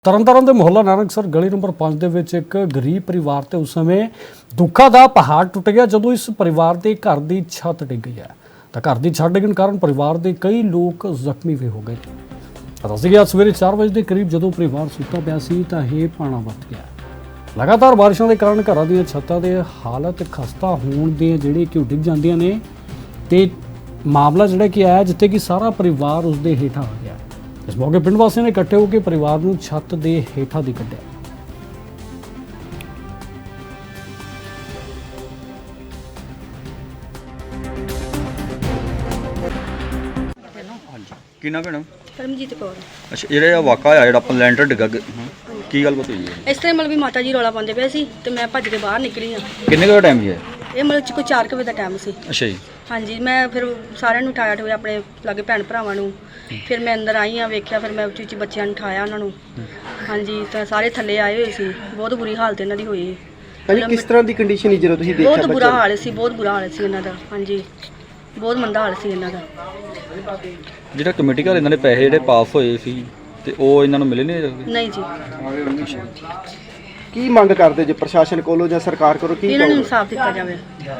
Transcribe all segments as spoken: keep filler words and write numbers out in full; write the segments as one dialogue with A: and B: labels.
A: ਤਰਨਤਾਰਨ ਦੇ ਮੁਹੱਲਾ ਨਾਨਕਸਰ ਗਲੀ ਨੰਬਰ ਪੰਜ ਦੇ ਵਿੱਚ ਇੱਕ ਗਰੀਬ ਪਰਿਵਾਰ ਤੇ ਉਸ ਸਮੇਂ ਦੁੱਖਾਂ ਦਾ ਪਹਾੜ ਟੁੱਟ ਗਿਆ ਜਦੋਂ ਇਸ ਪਰਿਵਾਰ ਦੇ ਘਰ ਦੀ ਛੱਤ ਡਿੱਗ ਗਈ ਹੈ ਤਾਂ ਘਰ ਦੀ ਛੱਤ ਡਿੱਗਣ ਕਾਰਨ ਪਰਿਵਾਰ ਦੇ ਕਈ ਲੋਕ ਜ਼ਖਮੀ ਵੀ ਹੋ ਗਏ। ਪਤਾ ਸੀ ਕਿ ਸਵੇਰੇ ਚਾਰ ਵਜੇ ਦੇ ਕਰੀਬ ਜਦੋਂ ਪਰਿਵਾਰ ਸੁੱਤਾ ਪਿਆ ਸੀ ਤਾਂ ਇਹ ਪਾਣਾ ਵੱਧ ਗਿਆ। ਲਗਾਤਾਰ ਬਾਰਿਸ਼ਾਂ ਦੇ ਕਾਰਨ ਘਰਾਂ ਦੀਆਂ ਛੱਤਾਂ ਦੇ ਹਾਲਤ ਖਸਤਾ ਹੋਣ ਦੇ ਜਿਹੜੇ ਕਿ ਉਹ ਡਿੱਗ ਜਾਂਦੀਆਂ ਨੇ ਤੇ ਮਾਮਲਾ ਜਿਹੜਾ ਕਿ ਆਇਆ ਜਿੱਥੇ ਕਿ ਸਾਰਾ ਪਰਿਵਾਰ ਉਸ ਦੇ ਹੇਠਾਂ ਆ ਗਿਆ। इस मौके पिंड वासियों ने इकट्ठे होकर परिवार को छत के हेठा दी कढ़िया।
B: ਕੀ ਨਾਮ ਭੈਣਾ?
C: परमजीत कौर।
B: ਅੱਛਾ ਜਿਹੜਾ ਇਹ ਵਾਕਾ ਆ ਜਿਹੜਾ ਆਪਾਂ ਲੈਂਟਰ ਡਿੱਗਾ ਗ- ਕੀ ਗੱਲ ਬਤਾਈ ਹੈ?
C: ਇਸ ਤਰ੍ਹਾਂ ਮਤਲਬ ਵੀ ਮਾਤਾ ਜੀ ਰੌਲਾ ਪਾਉਂਦੇ ਪਏ ਸੀ ਤੇ ਮੈਂ ਭੱਜ ਕੇ ਬਾਹਰ ਨਿਕਲੀ ਆ।
B: ਕਿੰਨੇ ਕੁ ਟਾਈਮ ਹੈ?
C: ਇਹ ਮਤਲਬ ਚ ਕੋਈ ਚਾਰ ਕੁ ਵਜੇ ਦਾ ਟਾਈਮ ਸੀ।
B: ਅੱਛਾ ਜੀ।
C: ਹਾਂਜੀ, ਮੈਂ ਫਿਰ ਸਾਰਿਆਂ ਨੂੰ ਉਠਾਇਆ ਠੋਇਆ ਆਪਣੇ ਲਾਗੇ ਭੈਣ ਭਰਾਵਾਂ ਨੂੰ। ਫਿਰ ਮੈਂ ਅੰਦਰ ਆਈ ਆ, ਵੇਖਿਆ, ਫਿਰ ਮੈਂ ਉੱਚੀ ਉੱਚੀ ਬੱਚਿਆਂ ਨੂੰ ਉਠਾਇਆ ਉਹਨਾਂ ਨੂੰ। ਹਾਂਜੀ, ਤਾਂ ਸਾਰੇ ਥੱਲੇ ਆਏ ਹੋਏ ਸੀ। ਬਹੁਤ ਬੁਰੀ ਹਾਲਤ ਇਹਨਾਂ ਦੀ ਹੋਈ।
D: ਹਾਂਜੀ, ਕਿਸ ਤਰ੍ਹਾਂ ਦੀ ਕੰਡੀਸ਼ਨ ਸੀ ਜਦੋਂ ਤੁਸੀਂ ਦੇਖਿਆ?
C: ਬਹੁਤ ਬੁਰਾ ਹਾਲ ਸੀ, ਬਹੁਤ ਬੁਰਾ ਹਾਲ ਸੀ ਇਹਨਾਂ ਦਾ। ਹਾਂਜੀ, ਬਹੁਤ ਮੰਦਾ ਹਾਲ ਸੀ ਇਹਨਾਂ ਦਾ।
B: ਜਿਹੜਾ ਕਮੇਟੀ ਘਰ ਇਹਨਾਂ ਦੇ ਪੈਸੇ ਜਿਹੜੇ ਪਾਸ ਹੋਏ ਸੀ ਤੇ ਉਹ ਇਹਨਾਂ ਨੂੰ ਮਿਲੇ ਨਹੀਂ?
C: ਨਹੀਂ ਜੀ।
D: ਕੀ ਮੰਗ ਕਰਦੇ ਜੇ ਪ੍ਰਸ਼ਾਸਨ ਕੋਲੋਂ ਜਾਂ ਸਰਕਾਰ ਕੋਲੋਂ? ਕੀ
C: ਇਹਨਾਂ ਨੂੰ
D: ਕਹੋਗੇ?
C: ਇਨਸਾਫ ਦਿੱਤਾ ਜਾਵੇ।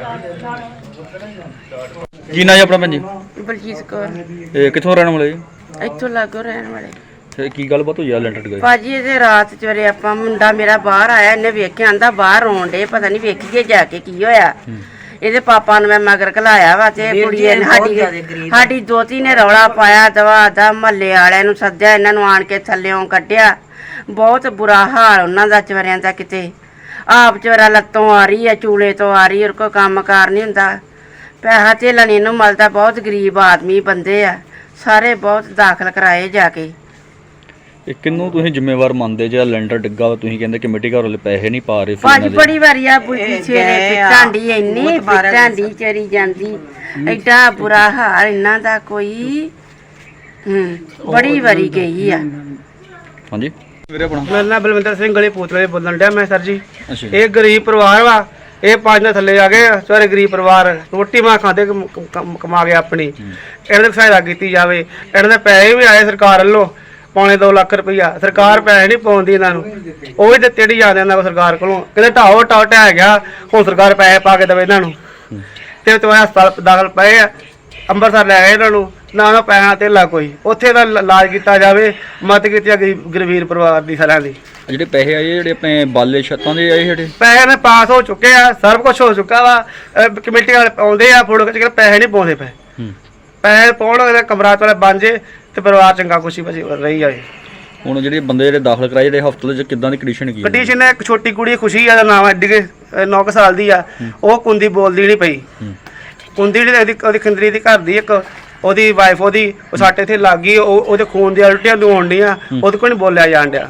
B: ਕੀ ਨਾਂ ਜੀ ਆਪਣਾ ਭੈਣ ਜੀ?
E: ਬਲਜੀਤ ਕੌਰ।
B: ਇਹ ਕਿੱਥੋਂ ਰਹਿਣ ਵਾਲੇ ਜੀ?
E: ਇੱਥੋਂ ਲਾਗੋ ਰਹਿਣ ਵਾਲੇ।
B: ਤੇ ਕੀ ਗੱਲਬਾਤ ਹੋਈ ਆ ਲੈਂਟਰ ਡਿੱਗਾ?
E: ਭਾਜੀ ਇਹਦੇ ਰਾਤ ਚਵਰੇ ਆਪਾਂ ਮੁੰਡਾ ਮੇਰਾ ਬਾਹਰ ਆਇਆ, ਇਹਨੇ ਵੇਖਿਆ, ਆਂਦਾ ਬਾਹਰ ਰੋਣ ਡੇ, ਪਤਾ ਨਹੀਂ ਵੇਖੀਏ ਜਾ ਕੇ ਕੀ ਹੋਇਆ। ਇਹਦੇ ਪਾਪਾ ਨੂੰ ਮੈਂ ਮਗਰ ਘਲਾਇਆ ਵਾ ਤੇ ਕੁੜੀ ਨੇ ਸਾਡੀ ਸਾਡੀ ਦੋਤੀ ਨੇ ਰੌਲਾ ਪਾਇਆ, ਦਵਾ ਦਾ ਮਹੱਲੇ ਵਾਲਿਆਂ ਨੂੰ ਸੱਦਿਆ, ਇਹਨਾਂ ਨੂੰ ਆਣ ਕੇ ਥੱਲਿਓਂ ਕੱਢਿਆ। ਬਹੁਤ ਬੁਰਾ ਹਾਲ ਉਹਨਾਂ ਦਾ ਚਵਰਿਆਂ ਦਾ। ਕਿਤੇ ਆਪ ਚਵਰਾ ਲੱਤੋਂ ਆ ਰਹੀ ਆ, ਚੂਲੇ ਤੋਂ ਆ ਰਹੀ, ਉਹ ਕੋਈ ਕੰਮ ਕਾਰ ਨਹੀਂ ਹੁੰਦਾ, ਪੈਸਾ ਧੇਲਾ ਨਹੀਂ ਇਹਨੂੰ ਮਿਲਦਾ। ਬਹੁਤ ਗਰੀਬ ਆਦਮੀ ਬੰਦੇ ਆ ਸਾਰੇ, ਬਹੁਤ ਦਾਖਲ ਕਰਾਏ ਜਾ ਕੇ।
B: ਇਹ ਕਿੰਨੂੰ ਤੁਸੀਂ ਜ਼ਿੰਮੇਵਾਰ ਮੰਨਦੇ ਜੇ ਲੈਂਟਰ ਡਿੱਗਾ ਵਾ? ਤੁਸੀਂ ਕਹਿੰਦੇ ਕਮੇਟੀ ਘਰ ਵਾਲੇ ਪੈਸੇ ਨਹੀਂ ਪਾ ਰਹੇ
E: ਪੰਜ ਬੜੀ ਵਾਰੀ ਆ ਬੁੱਢੀ ਛੇਰੇ ਪਿੱਟਾਂਡੀ, ਇੰਨੀ ਪਿੱਟਾਂਡੀ ਚਰੀ ਜਾਂਦੀ, ਐਡਾ ਬੁਰਾ ਹਾਲ ਇਹਨਾਂ ਦਾ ਕੋਈ। ਹੂੰ, ਬੜੀ ਵਾਰੀ ਗਈ ਆ।
B: ਹਾਂਜੀ ਵੀਰੇ ਆਪਣਾ?
D: ਮੇਰਾ ਨਾਮ ਬਲਵਿੰਦਰ ਸਿੰਘ ਗਲੀ ਪੂਤਲੇ ਬੋਲਣ ਡਿਆ ਮੈਂ ਸਰ ਜੀ।
B: ਅੱਛਾ।
D: ਇਹ ਗਰੀਬ ਪਰਿਵਾਰ ਵਾ, ਇਹ ਪੰਜ ਦੇ ਥੱਲੇ ਆ ਗਏ ਸਾਰੇ ਗਰੀਬ ਪਰਿਵਾਰ। ਰੋਟੀ ਮਾਂ ਖਾਂਦੇ ਕਮ- ਕਮ- ਕਮਾ ਕੇ ਆਪਣੀ। ਇਹਨਾਂ ਦੀ ਸਹਾਇਤਾ ਕੀਤੀ ਜਾਵੇ। ਇਹਨਾਂ ਦੇ ਪੈਸੇ ਵੀ ਆਏ ਸਰਕਾਰ ਵੱਲੋਂ, ਪੌਣੇ ਦੋ ਲੱਖ ਰੁਪਈਆ। ਸਰਕਾਰ ਪੈਸੇ ਨਹੀਂ ਪਾਉਂਦੀ ਇਹਨਾਂ ਨੂੰ, ਉਹ ਵੀ ਦਿੱਤੇ ਨਹੀਂ ਜਾਂਦੇ ਇਹਨਾਂ ਕੋਲ ਸਰਕਾਰ ਕੋਲੋਂ। ਕਹਿੰਦੇ ਢਾਓ ਢਾਓ ਢਹਿ ਗਿਆ, ਹੁਣ ਸਰਕਾਰ ਪੈਸੇ ਪਾ ਕੇ ਦੇਵੇ ਇਹਨਾਂ ਨੂੰ। ਤੇ ਤੁਹਾਡੇ ਹਸਪਤਾਲ ਦਾਖਲ ਪਏ ਆ, ਅੰਮ੍ਰਿਤਸਰ ਲੈ ਗਏ ਇਹਨਾਂ ਨੂੰ, ਨਾ ਉਹਨਾਂ ਪੈਸਾ ਧੇਲਾ ਕੋਈ। ਉੱਥੇ ਦਾ ਇਲਾਜ ਕੀਤਾ ਜਾਵੇ, ਮਦਦ ਕੀਤੀ ਆ ਗਰੀਬ ਗਰੀਬ ਪਰਿਵਾਰ ਦੀ ਸਾਰਿਆਂ ਦੀ।
B: ਜਿਹੜੇ ਪੈਸੇ ਆਏ ਜਿਹੜੇ ਆਪਣੇ ਬਾਲੇ ਛੱਤਾਂ ਦੇ ਆਏ ਜਿਹੜੇ
D: ਪੈਸੇ ਨੇ ਪਾਸ ਹੋ ਚੁੱਕੇ ਆ, ਸਭ ਕੁਝ ਹੋ ਚੁੱਕਾ ਵਾ। ਅਹ ਕਮੇਟੀ ਵਾਲੇ ਆਉਂਦੇ ਆ ਫੋਟੋ ਖਿੱਚ ਕੇ, ਪੈਸੇ ਨਹੀਂ ਪਾਉਂਦੇ ਪਏ।
B: ਹੂੰ।
D: ਪੈਸੇ ਪਾਉਣ ਕਮਰਾ ਵਾਲੇ ਬਣ ਜੇ ਤੇ ਪਰਿਵਾਰ ਚੰਗਾ ਖੁਸ਼ੀ ਬਸੀ ਰਹੀ ਜਾਵੇ।
B: ਹੁਣ ਜਿਹੜੇ ਬੰਦੇ ਜਿਹੜੇ ਦਾਖਲ ਕਰਾਏ ਜਿਹੜੇ ਹਸਪਤਾਲ 'ਚ ਕਿੱਦਾਂ ਦੀ ਕੰਡੀਸ਼ਨ ਕੀ?
D: ਕੰਡੀਸ਼ਨ ਹੈ, ਇੱਕ ਛੋਟੀ ਕੁੜੀ ਖੁਸ਼ੀ ਆ ਦਾ ਨਾਮ, ਐਡੀ ਕੇ ਨੌ ਕੁ ਸਾਲ ਦੀ ਆ। ਉਹ ਕੁੰਦੀ ਬੋਲਦੀ ਨਹੀਂ ਪਈ। ਕੁੰਦੀ ਜਿਹੜੀ ਉਹਦੀ ਉਹਦੀ ਖੰਦਰੀ ਦੀ ਘਰ ਦੀ ਇੱਕ ਉਹਦੀ ਵਾਈਫ, ਉਹਦੀ ਉਹ ਸਾਡੇ ਇੱਥੇ ਲੱਗ ਗਈ। ਉਹ ਉਹਦੇ ਖੂਨ ਦੀਆਂ ਉਲਟੀਆਂ ਹੋਣ ਡੀਆਂ, ਉਹਦੇ ਕੋਲ ਨਹੀਂ ਬੋਲਿਆ ਜਾਣ ਡਿਆ।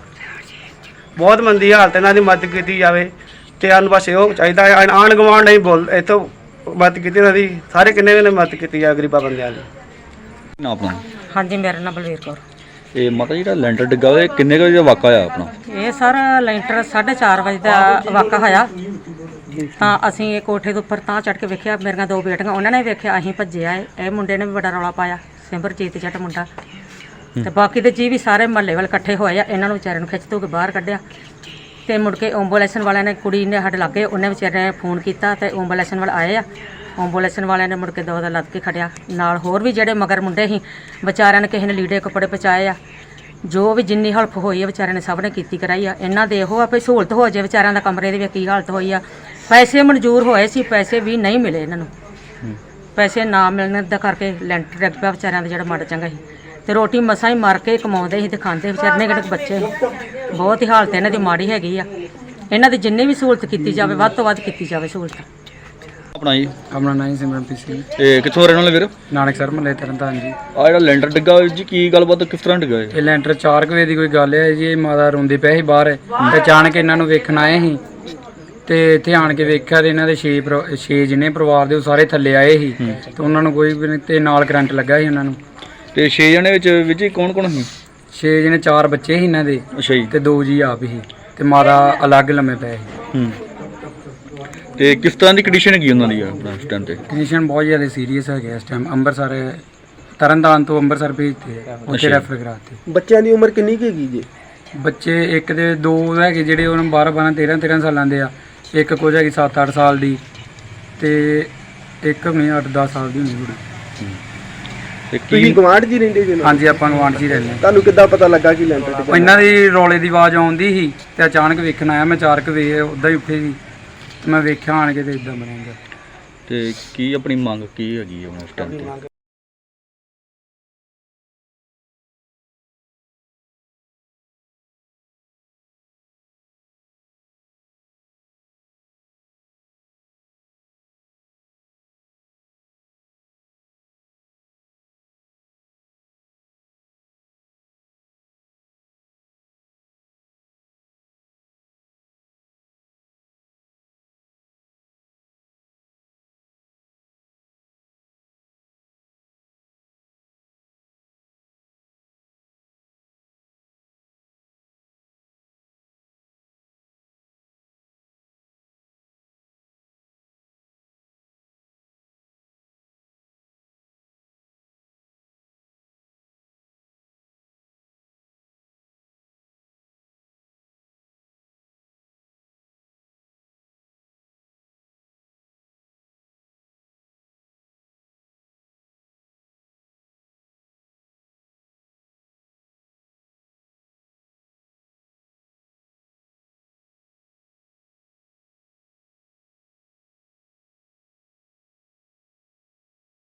D: ਬਹੁਤ ਮੰਦੀ ਹਾਲਤ, ਇਹਨਾਂ ਦੀ ਮਦਦ ਕੀਤੀ ਜਾਵੇ। ਤੇ ਸਾਨੂੰ ਬਸ ਇਹੋ ਚਾਹੀਦਾ, ਆਣ ਗਵਾਂਢ ਨਹੀਂ ਬੋਲ ਇੱਥੋਂ ਮਦਦ ਕੀਤੀ ਇਹਨਾਂ ਦੀ। ਸਾਰੇ ਕਿੰਨੇ ਨੇ ਮਦਦ ਕੀਤੀ ਜਾਵੇ ਗਰੀਬਾਂ ਬੰਦਿਆਂ ਦੀ।
B: ਨਾ ਆਪਣਾ?
F: ਹਾਂਜੀ, ਮੇਰਾ ਨਾਮ ਬਲਵੀਰ ਕੌਰ।
B: ਇਹ ਮਾਤਾ ਜਿਹੜਾ ਲੈਂਟਰ ਡਿੱਗਾ ਵਾ, ਇਹ ਕਿੰਨੇ ਕੁ ਵਜੇ ਦਾ ਵਾਕਾ ਆ ਆਪਣਾ?
F: ਇਹ ਸਰ ਲੈਂਟਰ ਸਾਢੇ ਚਾਰ ਵਜੇ ਦਾ ਵਾਕਾ ਹੋਇਆ। ਤਾਂ ਅਸੀਂ ਇਹ ਕੋਠੇ ਦੇ ਉੱਪਰ ਤਾਂ ਚੜ੍ਹ ਕੇ ਵੇਖਿਆ, ਮੇਰੀਆਂ ਦੋ ਬੇਟੀਆਂ ਉਹਨਾਂ ਨੇ ਵੇਖਿਆ, ਅਸੀਂ ਭੱਜਿਆ। ਇਹ ਮੁੰਡੇ ਨੇ ਵੀ ਬੜਾ ਰੌਲਾ ਪਾਇਆ, ਸਿਮਰਜੀਤ ਜੱਟ ਮੁੰਡਾ। ਤੇ ਬਾਕੀ ਦੇ ਜੀ ਵੀ ਸਾਰੇ ਮਹੱਲੇ ਵਾਲੇ ਇਕੱਠੇ ਹੋਏ ਆ, ਇਹਨਾਂ ਨੂੰ ਵਿਚਾਰਿਆਂ ਨੂੰ ਖਿੱਚ ਧੂ ਕੇ ਬਾਹਰ ਕੱਢਿਆ। ਤੇ ਮੁੜ ਕੇ ਐਂਬੂਲੈਂਸ ਵਾਲਿਆਂ ਨੇ, ਕੁੜੀ ਨੇ ਸਾਡੇ ਲਾਗੇ, ਉਹਨੇ ਵਿਚਾਰੇ ਨੇ ਫੋਨ ਕੀਤਾ ਤੇ ਐਂਬੂਲੈਂਸ ਵਾਲੇ ਆਏ ਆ। ਐਂਬੂਲੈਂਸ ਵਾਲਿਆਂ ਨੇ ਮੁੜ ਕੇ ਦੋ ਦਾ ਲੱਦ ਕੇ ਖੜਿਆ। ਨਾਲ ਹੋਰ ਵੀ ਜਿਹੜੇ ਮਗਰ ਮੁੰਡੇ ਸੀ ਵਿਚਾਰਿਆਂ ਨੇ, ਕਿਸੇ ਨੇ ਲੀੜੇ ਕੱਪੜੇ ਪਹੁੰਚਾਏ ਆ। ਜੋ ਵੀ ਜਿੰਨੀ ਹੈਲਪ ਹੋਈ ਆ ਵਿਚਾਰਿਆਂ ਨੇ ਸਭ ਨੇ ਕੀਤੀ ਕਰਾਈ ਆ। ਇਹਨਾਂ ਦੇ ਇਹੋ ਆ ਵੀ ਸਹੂਲਤ ਹੋ ਜਾਏ ਵਿਚਾਰਿਆਂ ਦਾ। ਕਮਰੇ ਦੀ ਵੀ ਕੀ ਹਾਲਤ ਹੋਈ ਆ। ਪੈਸੇ ਮਨਜ਼ੂਰ ਹੋਏ ਸੀ, ਪੈਸੇ ਵੀ ਨਹੀਂ ਮਿਲੇ ਇਹਨਾਂ ਨੂੰ। ਪੈਸੇ ਨਾ ਮਿਲਣ ਦਾ ਕਰਕੇ ਲੈਂਟਰ ਡਿੱਗ ਪਿਆ ਵਿਚਾਰਿਆਂ ਦਾ ਜਿਹੜਾ ਮਾੜਾ ਚੰਗਾ ਸੀ। ਤੇ ਰੋਟੀ ਮਸਾਂ ਹੀ ਮਾਰ ਕੇ ਕਮਾਉਂਦੇ ਸੀ ਤੇ ਖਾਂਦੇ ਵਿਚਾਰੇ ਨੇ, ਕਿਹੜੇ ਬੱਚੇ ਸੀ। ਬਹੁਤ ਹੀ ਹਾਲਤ ਇਹਨਾਂ ਦੀ ਮਾੜੀ ਹੈਗੀ ਆ। ਇਹਨਾਂ ਦੀ ਜਿੰਨੀ ਵੀ ਸਹੂਲਤ ਕੀਤੀ ਜਾਵੇ, ਵੱਧ ਤੋਂ ਵੱਧ ਕੀਤੀ ਜਾਵੇ ਸਹੂਲਤ।
B: ਆਪਣਾ ਜੀ?
D: ਆਪਣਾ ਨਾਮ ਸਿਮਰਨਪ੍ਰੀਤ ਸਿੰਘ,
B: ਇਹ ਕਿੱਥੋਂ ਰਹਿਣ ਵਾਲੇ ਵੀਰ?
D: ਨਾਨਕਸਰ ਮਹੱਲੇ ਤਰਨਤਾਰਨ ਜੀ।
B: ਆ ਜਿਹੜਾ ਲੈਂਟਰ ਡਿੱਗਾ ਜੀ, ਕੀ ਗੱਲਬਾਤ ਕਿਸ ਤਰ੍ਹਾਂ ਡਿੱਗਾ ਇਹ?
D: ਇਹ ਲੈਂਟਰ ਚਾਰ ਕੁ ਵਜੇ ਦੀ ਕੋਈ ਗੱਲ ਹੈ ਜੀ। ਇਹ ਮਾਤਾ ਰੋਂਦੀ ਪਏ ਸੀ ਬਾਹਰ, ਤੇ ਅਚਾਨਕ ਇਹਨਾਂ ਨੂੰ ਵੇਖਣ ਆਏ ਸੀ। ਤੇ ਇੱਥੇ ਆਣ ਕੇ ਵੇਖਿਆ ਤੇ ਇਹਨਾਂ ਦੇ ਛੇ ਛੇ ਜਿੰਨੇ ਪਰਿਵਾਰ ਦੇ ਉਹ ਸਾਰੇ ਥੱਲੇ ਆਏ ਸੀ। ਤੇ ਉਹਨਾਂ ਨੂੰ ਕੋਈ ਵੀ ਨਹੀਂ, ਤੇ ਨਾਲ ਕਰੰਟ ਲੱਗਾ ਸੀ ਉਹਨਾਂ ਨੂੰ।
B: ਤੇ ਛੇ ਜਣੇ ਵਿੱਚ ਵਿੱਚ ਹੀ ਕੌਣ ਕੌਣ ਸੀ?
D: ਛੇ ਜਿਹਨੇ ਚਾਰ ਬੱਚੇ ਸੀ ਇਹਨਾਂ ਦੇ,
B: ਅੱਛਾ ਜੀ।
D: ਤੇ ਦੋ ਜੀ ਆਪ ਹੀ, ਤੇ ਮਾਤਾ ਅਲੱਗ ਲੰਮੇ ਪਏ ਸੀ।
B: ਹੂੰ। ਤੇ ਕਿਸ ਤਰ੍ਹਾਂ ਦੀ ਕੰਡੀਸ਼ਨ ਹੈਗੀ ਉਹਨਾਂ ਦੀ ਆਪਣਾ ਇਸ ਟਾਈਮ ਤੇ?
D: ਕੰਡੀਸ਼ਨ ਬਹੁਤ ਜ਼ਿਆਦਾ ਸੀਰੀਅਸ ਹੈਗੇ ਇਸ ਟਾਈਮ। ਅੰਮ੍ਰਿਤਸਰ ਤਰਨਤਾਰਨ ਤੋਂ ਅੰਮ੍ਰਿਤਸਰ ਭੇਜਤੇ, ਉੱਥੇ ਰੈਫਰ ਕਰਾਤੇ।
G: ਬੱਚਿਆਂ ਦੀ ਉਮਰ ਕਿੰਨੀ ਕੁ ਹੈਗੀ ਜੀ? ਬੱਚੇ ਇੱਕ ਦੇ ਦੋ ਹੈਗੇ ਜਿਹੜੇ ਉਹਨਾਂ ਬਾਰਾਂ ਬਾਰਾਂ ਤੇਰਾਂ ਤੇਰਾਂ ਸਾਲਾਂ ਦੇ ਆ, ਇੱਕ ਕੁਝ ਹੈਗੀ ਸੱਤ ਅੱਠ ਸਾਲ ਦੀ ਤੇ ਇੱਕ ਨਹੀਂ ਅੱਠ ਦਸ ਸਾਲ ਦੀ ਹੋਣੀ ਕੁੜੀ।
B: ਤੇ
H: ਤੁਸੀਂ
B: ਕੀ
H: ਗਵਾਂਢ ਜੀ ਰਹਿੰਦੇ ਜੀ ਨਾਲ?
G: ਹਾਂਜੀ ਆਪਾਂ ਗਵਾਂਢ 'ਚ ਹੀ ਰਹਿੰਦੇ
H: ਤੁਹਾਨੂੰ ਕਿੱਦਾਂ ਪਤਾ ਲੱਗਾ ਕਿ ਲੈਂਟਰ
G: ਹਾਂ।
H: ਡਿੱਗਾ?
G: ਇਹਨਾਂ ਦੀ ਰੌਲੇ ਦੀ ਆਵਾਜ਼ ਆਉਂਦੀ ਸੀ ਤੇ ਅਚਾਨਕ ਵੇਖਣ ਆਇਆ ਮੈਂ, ਚਾਰ ਕੁ ਵੇ ਉੱਦਾਂ ਹੀ ਉੱਠੇ ਸੀ ਤੇ ਮੈਂ ਵੇਖਿਆ ਆਣ ਕੇ ਤੇ ਇਦਾਂ ਬਣਿਆ।
B: ਤੇ ਕੀ ਆਪਣੀ ਮੰਗ ਕੀ ਹੈਗੀ ਹੈ ਹੁਣ ਇਸ ਟਾਈਮ ਤੇ?